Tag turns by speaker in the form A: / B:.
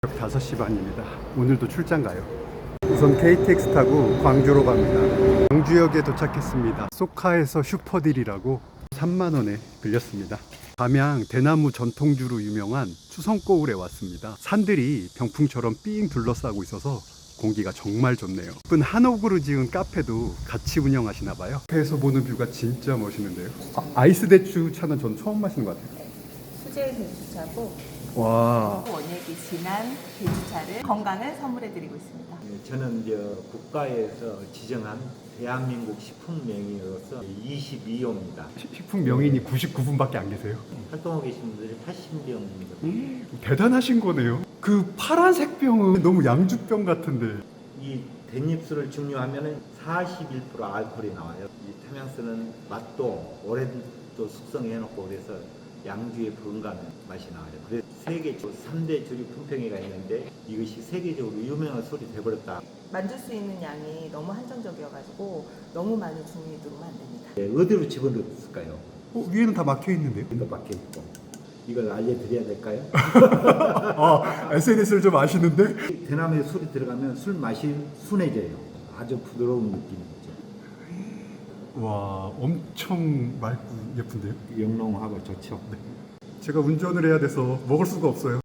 A: 새벽 5시 반입니다. 오늘도 출장 가요. 우선 KTX 타고 광주로 갑니다. 광주역에 도착했습니다. 소카에서 슈퍼딜이라고 3만 원에 빌렸습니다. 담양 대나무 전통주로 유명한 추성고을에 왔습니다. 산들이 병풍처럼 삥 둘러싸고 있어서 공기가 정말 좋네요. 예쁜 한옥으로 지은 카페도 같이 운영하시나 봐요. 카페에서 보는 뷰가 진짜 멋있는데요. 아이스 대추 차는 전 처음 마시는 것 같아요.
B: 수제 대추차고
A: 와,
B: 원액이 진한 대추차를 건강을 선물해드리고 있습니다.
C: 저는 이제 국가에서 지정한 대한민국 식품명의로서 22호입니다.
A: 식품 명인이 99분밖에 안 계세요.
C: 활동하고 계신 분들이 80명입니다.
A: 대단하신 거네요. 그 파란색 병은 너무 양주병 같은데.
C: 이 댄잎술을 증류하면 41% 알코올이 나와요. 이 탐양스는 맛도 오래도 숙성해놓고 그래서 양주의 건강한 맛이 나와요. 그래서 세계 3대 주류 품평회가 있는데 이것이 세계적으로 유명한 술이 돼버렸다.
B: 만들 수 있는 양이 너무 한정적이어가지고 너무 많은 주문이 들어오면 안 됩니다.
C: 어디로 집어넣었을까요?
A: 위에는 다 막혀 있는데요.
C: 이거 밖에 있고 이걸 알려드려야 될까요?
A: SNS를 좀 아시는데?
C: 대나무에 술이 들어가면 술 맛이 순해져요. 아주 부드러운 느낌이죠.
A: 와, 엄청 맑고 예쁜데요?
C: 영롱하고 좋죠.
A: 제가 운전을 해야 돼서 먹을 수가 없어요.